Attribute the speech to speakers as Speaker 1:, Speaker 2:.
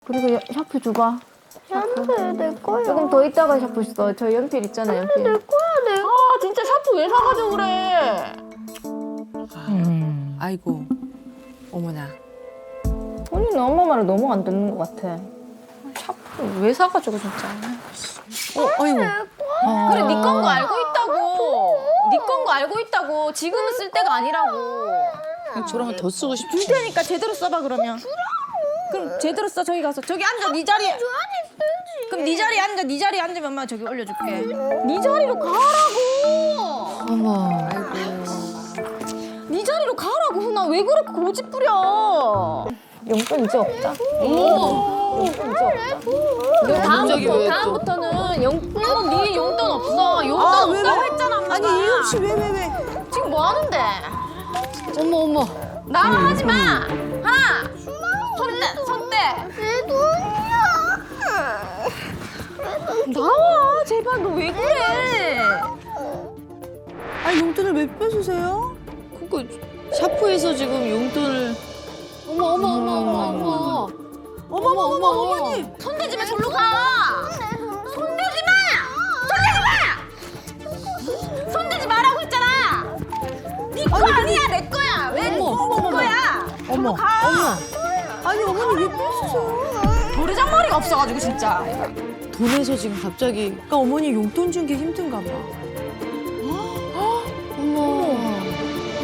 Speaker 1: 그리고 샤프 줘봐.
Speaker 2: 샤프 내 거야.
Speaker 1: 조금 더 있다가 샤프 써. 저 연필 있잖아, 연필.
Speaker 2: 내 거야 내.
Speaker 3: 아 진짜 샤프 왜 사가지고 그래?
Speaker 4: 아이고, 어머나.
Speaker 1: 본인은 엄마 말을 너무 안 듣는 것 같아.
Speaker 3: 샤프 왜 사가지고 진짜?
Speaker 4: 아이고.
Speaker 3: 그래 네 건 거 알고 있다고. 네 건 거 알고 있다고. 지금은 쓸 때가 아니라고.
Speaker 4: 저랑 더 쓰고 싶지.
Speaker 3: 줄 테니까 제대로 써봐 그러면. 그럼 제대로 써. 저기 가서 저기 앉아 네 자리에. 그럼 네 자리에 앉아. 네 자리에 앉으면 엄마 저기 올려줄게. 네 자리로 가라고.
Speaker 4: 어머.
Speaker 3: 네 자리로 가라고 훈아. 왜 그렇게 고집 부려?
Speaker 1: 용돈 이제 없다.
Speaker 3: 오.
Speaker 1: 용돈 이제 없다.
Speaker 4: 갑자기 왜 또?
Speaker 3: 다음부터는 용돈 네 용돈 없어. 용돈 없다고 했잖아 엄마가.
Speaker 4: 아니, 이윤 씨 왜?
Speaker 3: 지금 뭐 하는데?
Speaker 4: 어머.
Speaker 3: 나만 하지 마. 하나. 손 떼.
Speaker 2: 내 돈이야.
Speaker 3: 나와 제발. 너 왜 그래?
Speaker 4: 아니, 용돈을 왜 뺏으세요? 그거 샤프에서 지금 용돈을. 어머. 어머니.
Speaker 3: 손대지 마. 절로 가. 손대지 마. 손대지 마라고 했잖아. 네 거 아니야. 내 거야. 왜 네 거야?
Speaker 4: 어머. 아니, 어머니 왜 뺏으세요?
Speaker 3: 노래장머리가 없어가지고 진짜.
Speaker 4: 돈에서 지금 갑자기. 그러니까 어머니 용돈 준 게 힘든가 봐.